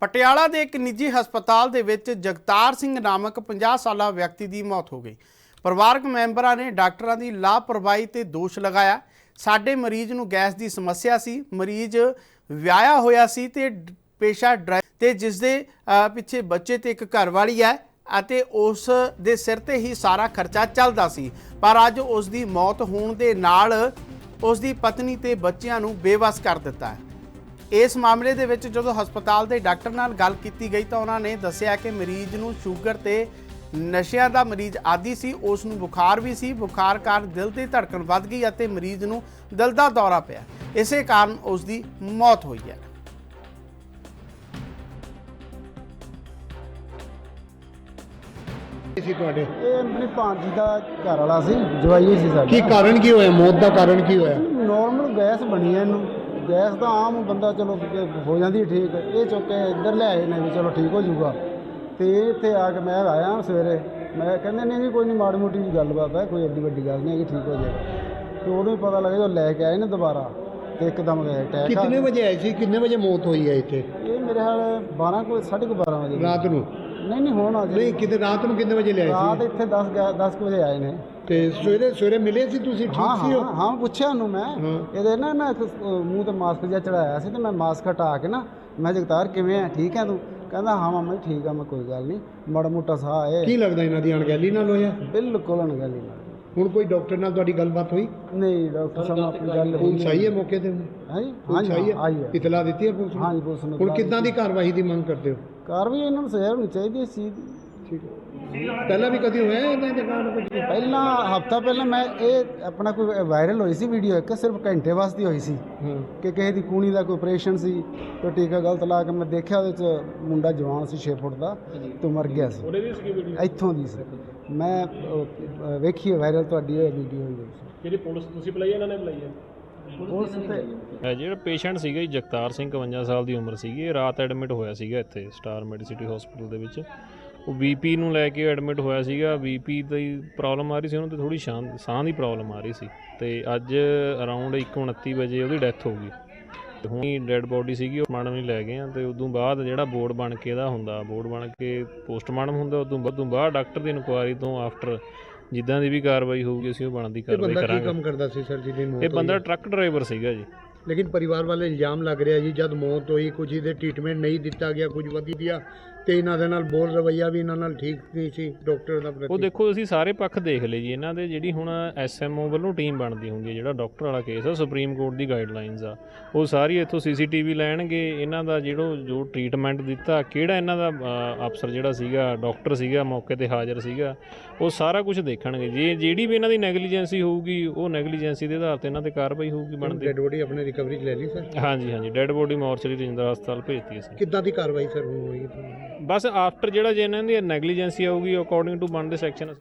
ਪਟਿਆਲਾ ਦੇ ਇੱਕ ਨਿੱਜੀ ਹਸਪਤਾਲ ਦੇ ਵਿੱਚ ਜਗਤਾਰ ਸਿੰਘ ਨਾਮਕ 50 ਸਾਲਾ ਵਿਅਕਤੀ ਦੀ ਮੌਤ ਹੋ ਗਈ। ਪਰਿਵਾਰਕ ਮੈਂਬਰਾਂ ਨੇ ਡਾਕਟਰਾਂ ਦੀ ਲਾਪਰਵਾਹੀ ਤੇ ਦੋਸ਼ ਲਗਾਇਆ। ਸਾਡੇ ਮਰੀਜ਼ ਨੂੰ ਗੈਸ ਦੀ ਸਮੱਸਿਆ ਸੀ, ਮਰੀਜ਼ ਵਿਆਹਿਆ ਹੋਇਆ ਸੀ ਤੇ ਪੇਸ਼ਾ ਡਰਾਈਵਰ ਤੇ ਜਿਸ ਦੇ ਪਿੱਛੇ ਬੱਚੇ ਤੇ ਇੱਕ ਘਰਵਾਲੀ ਹੈ ਅਤੇ ਉਸ ਦੇ ਸਿਰ ਤੇ ਹੀ ਸਾਰਾ ਖਰਚਾ ਚੱਲਦਾ ਸੀ। ਪਰ ਅੱਜ ਉਸ ਦੀ ਮੌਤ ਹੋਣ ਦੇ ਨਾਲ ਉਸ ਦੀ ਪਤਨੀ ਤੇ ਬੱਚਿਆਂ ਨੂੰ ਬੇਵੱਸ ਕਰ ਦਿੱਤਾ ਹੈ। ਇਸ ਮਾਮਲੇ ਦੇ ਵਿੱਚ ਜਦੋਂ ਹਸਪਤਾਲ ਦੇ ਡਾਕਟਰ ਨਾਲ ਗੱਲ ਕੀਤੀ ਗਈ ਤਾਂ ਉਹਨਾਂ ਨੇ ਦੱਸਿਆ ਕਿ ਮਰੀਜ਼ ਨੂੰ ਸ਼ੂਗਰ ਤੇ ਨਸ਼ਿਆਂ ਦਾ ਮਰੀਜ਼ ਆਦੀ ਸੀ, ਉਸ ਨੂੰ ਬੁਖਾਰ ਵੀ ਸੀ। ਬੁਖਾਰ ਕਾਰਨ ਦਿਲ ਦੀ ਧੜਕਣ ਵੱਧ ਗਈ ਅਤੇ ਮਰੀਜ਼ ਨੂੰ ਦਿਲ ਦਾ ਦੌਰਾ ਪਿਆ। ਇਸੇ ਕਾਰਨ ਉਸ ਦੀ ਮੌਤ ਹੋਈ ਹੈ। ਸੀ ਤੁਹਾਡੇ ਇਹ ਆਪਣੀ ਭਾਂਜੀ ਦਾ ਘਰ ਵਾਲਾ ਸੀ, ਜਵਾਈ ਸੀ ਸਾਡੀ। ਕੀ ਕਾਰਨ ਕੀ ਹੋਇਆ? ਮੌਤ ਦਾ ਕਾਰਨ ਕੀ ਹੋਇਆ? ਨੋਰਮਲ ਗੈਸ ਬਣੀ ਹੈ ਇਹਨੂੰ। ਗੈਸ ਤਾਂ ਆਮ ਬੰਦਾ ਚਲੋ ਹੋ ਜਾਂਦੀ ਠੀਕ, ਇਹ ਚੁੱਕ ਕੇ ਇੱਧਰ ਲੈ ਆਏ ਨੇ ਵੀ ਚਲੋ ਠੀਕ ਹੋ ਜਾਊਗਾ। ਤੇ ਇੱਥੇ ਆ ਕੇ ਮੈਂ ਆਇਆ ਸਵੇਰੇ, ਮੈਂ ਕਹਿੰਦੇ ਨਹੀਂ ਜੀ ਕੋਈ ਨਹੀਂ, ਮਾੜੀ ਮੋਟੀ ਜੀ ਗੱਲਬਾਤ ਹੈ, ਕੋਈ ਐਡੀ ਵੱਡੀ ਗੱਲ ਨਹੀਂ ਹੈ ਕਿ ਠੀਕ ਹੋ ਜਾਏਗਾ। ਤੇ ਉਦੋਂ ਹੀ ਪਤਾ ਲੱਗਿਆ ਜਦੋਂ ਲੈ ਕੇ ਆਏ ਨੇ ਦੁਬਾਰਾ ਤੇ ਇੱਕਦਮ ਅਟੈਕ। ਕਿੰਨੇ ਵਜੇ ਆਏ ਸੀ? ਕਿੰਨੇ ਵਜੇ ਮੌਤ ਹੋਈ ਹੈ ਇੱਥੇ? ਇਹ ਮੇਰੇ ਹਾਲ 12:30 ਵਜੇ ਰਾਤ ਨੂੰ? ਨਹੀਂ ਹੁਣ ਅੱਜ ਨਹੀਂ, ਕਿਤੇ ਰਾਤ ਨੂੰ ਕਿੰਨੇ ਵਜੇ ਲਿਆਏ ਰਾਤ ਸੀ? ਇੱਥੇ 10 ਵਜੇ ਆਏ ਨੇ। ਤੇ ਸਵੇਰੇ ਮਿਲੇ ਸੀ ਤੁਸੀਂ? ਠੀਕ ਸੀ? ਹਾਂ ਪੁੱਛਿਆ ਉਹਨੂੰ ਮੈਂ। ਇਹਦੇ ਨਾ ਮੂੰਹ ਤੇ ਮਾਸਕ ਜਿਹਾ ਚੜਾਇਆ ਸੀ ਤੇ ਮੈਂ ਮਾਸਕ ਹਟਾ ਕੇ ਨਾ, ਮੈਂ ਜਗਤਾਰ ਕਿਵੇਂ ਆ, ਠੀਕ ਹੈ ਤੂੰ? ਕਹਿੰਦਾ ਹਾਂ ਮਾਮਾ ਠੀਕ ਆ, ਮੈਂ ਕੋਈ ਗੱਲ ਨਹੀਂ, ਮਾੜਾ ਮੋਟਾ ਸਾਹ ਆਏ। ਕੀ ਲੱਗਦਾ ਇਹਨਾਂ ਦੀ ਅਣਗਹਿਲੀ ਨਾਲ ਹੋਇਆ? ਬਿਲਕੁਲ ਅਣਗਹਿਲੀ ਨਾਲ। ਹੁਣ ਕੋਈ ਡਾਕਟਰ ਨਾਲ ਤੁਹਾਡੀ ਗੱਲਬਾਤ ਹੋਈ? ਨਹੀਂ ਡਾਕਟਰ ਸਾਹਿਬ ਆਪਣੀ ਗੱਲ ਪੁਲਿਸ ਆਈ ਹੈ ਮੌਕੇ ਤੇ? ਹਾਂਜੀ ਆਈ ਹੈ। ਇਤਲਾ ਦਿੱਤੀ ਹੈ ਪੁਲਿਸ ਨੂੰ? ਹਾਂਜੀ ਪੁਲਿਸ ਨੇ। ਹੁਣ ਕਿੱਦਾਂ ਦੀ ਕਾਰਵਾਈ ਦੀ ਮੰਗ ਕਰਦੇ ਹੋ? ਕਾਰਵਾਈ ਇਹਨਾਂ ਨੂੰ ਸਜ਼ਾ ਹੋਣੀ ਚਾਹੀਦੀ ਇਸ ਚੀਜ਼ ਦੀ। ਠੀਕ ਹੈ। ਪਹਿਲਾਂ ਵੀ ਕਦੀ ਹੋਇਆ ਇਹਨਾਂ ਦੇ ਨਾਲ ਕੁਝ? ਪਹਿਲਾਂ ਹਫਤਾ ਪਹਿਲਾਂ ਮੈਂ ਇਹ ਆਪਣਾ ਕੋਈ ਵਾਇਰਲ ਹੋਈ ਸੀ ਵੀਡੀਓ, ਇੱਕ ਸਿਰਫ ਘੰਟੇ ਵਾਸਤੇ ਹੋਈ ਸੀ ਕਿ ਕਿਸੇ ਦੀ ਕੂਣੀ ਦਾ ਕੋਈ ਆਪਰੇਸ਼ਨ ਸੀ, ਕੋਈ ਟੀਕਾ ਗਲਤ ਲਾ ਕੇ ਮੈਂ ਦੇਖਿਆ ਉਹਦੇ 'ਚ ਮੁੰਡਾ ਜਵਾਨ ਸੀ 6 ਫੁੱਟ ਦਾ ਤੇ ਮਰ ਗਿਆ ਸੀ। ਇੱਥੋਂ ਦੀ ਸੀ, ਮੈਂ ਵੇਖੀ ਵਾਇਰਲ ਤੁਹਾਡੀ ਇਹ ਵੀਡੀਓ ਹੋਈ ਸੀ। ਜਿਹੜੀ ਪੁਲਿਸ ਤੁਸੀਂ ਬੁਲਾਈ ਇਹਨਾਂ ਨੇ ਬੁਲਾਈ ਹੈ? ਪੁਲਿਸ ਤੇ ਜਿਹੜਾ ਪੇਸ਼ੈਂਟ ਸੀਗਾ ਜੀ ਜਗਤਾਰ ਸਿੰਘ 52 ਸਾਲ ਦੀ ਉਮਰ ਸੀਗੀ, ਇਹ ਰਾਤ ਐਡਮਿਟ ਹੋਇਆ ਸੀਗਾ ਇੱਥੇ ਸਟਾਰ ਮੈਡੀਸਿਟੀ ਹਸਪੀਟਲ ਦੇ ਵਿੱਚ। ਉਹ ਬੀਪੀ ਨੂੰ ਲੈ ਕੇ ਐਡਮਿਟ ਹੋਇਆ ਸੀਗਾ। ਬੀਪੀ ਦੀ ਪ੍ਰੋਬਲਮ ਆ ਰਹੀ ਸੀ ਉਹਨੂੰ, ਤੇ ਥੋੜ੍ਹੀ ਸਾਹ ਦੀ ਪ੍ਰੋਬਲਮ ਆ ਰਹੀ ਸੀ ਤੇ ਅੱਜ ਅਰਾਊਂਡ 1:29 ਵਜੇ ਉਹਦੀ ਡੈਥ ਹੋ ਗਈ। ਤੇ ਹੁਣ ਡੈੱਡ ਬੋਡੀ ਸੀਗੀ, ਉਹ ਮਾਡਮ ਨਹੀਂ ਲੈ ਗਏ ਆ। ਤੇ ਉਦੋਂ ਬਾਅਦ ਜਿਹੜਾ ਬੋਰਡ ਬਣ ਕੇ ਇਹਦਾ ਹੁੰਦਾ, ਬੋਰਡ ਬਣ ਕੇ ਪੋਸਟਮਾਰਟਮ ਹੁੰਦਾ, ਉਦੋਂ ਬਾਅਦ ਡਾਕਟਰ ਦੀ ਇਨਕੁਆਇਰੀ ਤੋਂ ਆਫਟਰ ਜਿੱਦਾਂ ਦੀ ਵੀ ਕਾਰਵਾਈ ਹੋਊਗੀ ਅਸੀਂ ਉਹ ਬਣਦੀ ਕਾਰਵਾਈ ਕਰਾਂਗੇ। ਕੀ ਕੰਮ ਕਰਦਾ ਸੀ ਸਰ ਜਿਹਦੀ ਮੌਤ? ਇਹ ਬੰਦਾ ਟਰੱਕ ਡਰਾਈਵਰ ਸੀਗਾ ਜੀ। ਲੇਕਿਨ ਪਰਿਵਾਰ ਵਾਲੇ ਇਲਜ਼ਾਮ ਲੱਗ ਰਿਹਾ ਜੀ ਜਦ ਮੌਤ ਹੋਈ ਕੁਝ ਇਹਦੇ ਟ੍ਰੀਟਮੈਂਟ ਨਹੀਂ ਦਿੱਤਾ ਗਿਆ, ਕੁਝ ਵਧੀਆ, ਤੇ ਇਹਨਾਂ ਦੇ ਨਾਲ ਬੋਲ ਰਵੱਈਆ ਵੀ ਇਹਨਾਂ ਨਾਲ ਠੀਕ ਨਹੀਂ ਸੀ ਡਾਕਟਰ ਦਾ ਪ੍ਰਤੀ। ਉਹ ਦੇਖੋ ਅਸੀਂ ਸਾਰੇ ਪੱਖ ਦੇਖ ਲਏ ਜੀ ਇਹਨਾਂ ਦੇ। ਜਿਹੜੀ ਹੁਣ SMO ਵੱਲੋਂ ਟੀਮ ਬਣਦੀ ਹੁੰਦੀ ਹੈ, ਜਿਹੜਾ ਡਾਕਟਰ ਵਾਲਾ ਕੇਸ ਆ, ਸੁਪਰੀਮ ਕੋਰਟ ਦੀ ਗਾਈਡਲਾਈਨਸ ਆ, ਉਹ ਸਾਰੀ ਇੱਥੋਂ CCTV ਲੈਣਗੇ। ਇਹਨਾਂ ਦਾ ਜੋ ਟ੍ਰੀਟਮੈਂਟ ਦਿੱਤਾ, ਕਿਹੜਾ ਇਹਨਾਂ ਦਾ ਅਫਸਰ ਜਿਹੜਾ ਸੀਗਾ, ਡਾਕਟਰ ਸੀਗਾ ਮੌਕੇ ਤੇ ਹਾਜ਼ਰ ਸੀਗਾ, ਉਹ ਸਾਰਾ ਕੁਝ ਦੇਖਣਗੇ। ਜੇ ਜਿਹੜੀ ਵੀ ਇਹਨਾਂ ਦੀ ਨੈਗਲੀਜੈਂਸੀ ਹੋਊਗੀ, ਉਹ ਨੈਗਲੀਜੈਂਸੀ ਦੇ ਆਧਾਰ ਤੇ ਇਹਨਾਂ ਤੇ ਕਾਰਵਾਈ ਹੋਊਗੀ ਬਣਦੀ। ਡੈਡ ਬੋਡੀ ਆਪਣੇ ਰਿਕਵਰੀ 'ਚ ਲੈ ਲਈ ਸਰ? ਹਾਂਜੀ ਡੈਡ ਬੋਡੀ ਮੋਰਚਰੀ ਰਜਿੰਦਰਾ ਹਸਪਤਾਲ ਭੇਜਤੀ ਅਸੀਂ। ਕਿੱਦਾਂ ਦੀ ਕਾਰਵਾਈ ਸਰ ਹੋਈ? ਬਸ ਆਫਟਰ ਜਿਹੜਾ ਜੇ ਇਹਨਾਂ ਦੀ ਨੈਗਲੀਜੈਂਸੀ ਆਊਗੀ, ਅਕੋਰਡਿੰਗ ਟੂ ਬਣਦੇ ਸੈਕਸ਼ਨ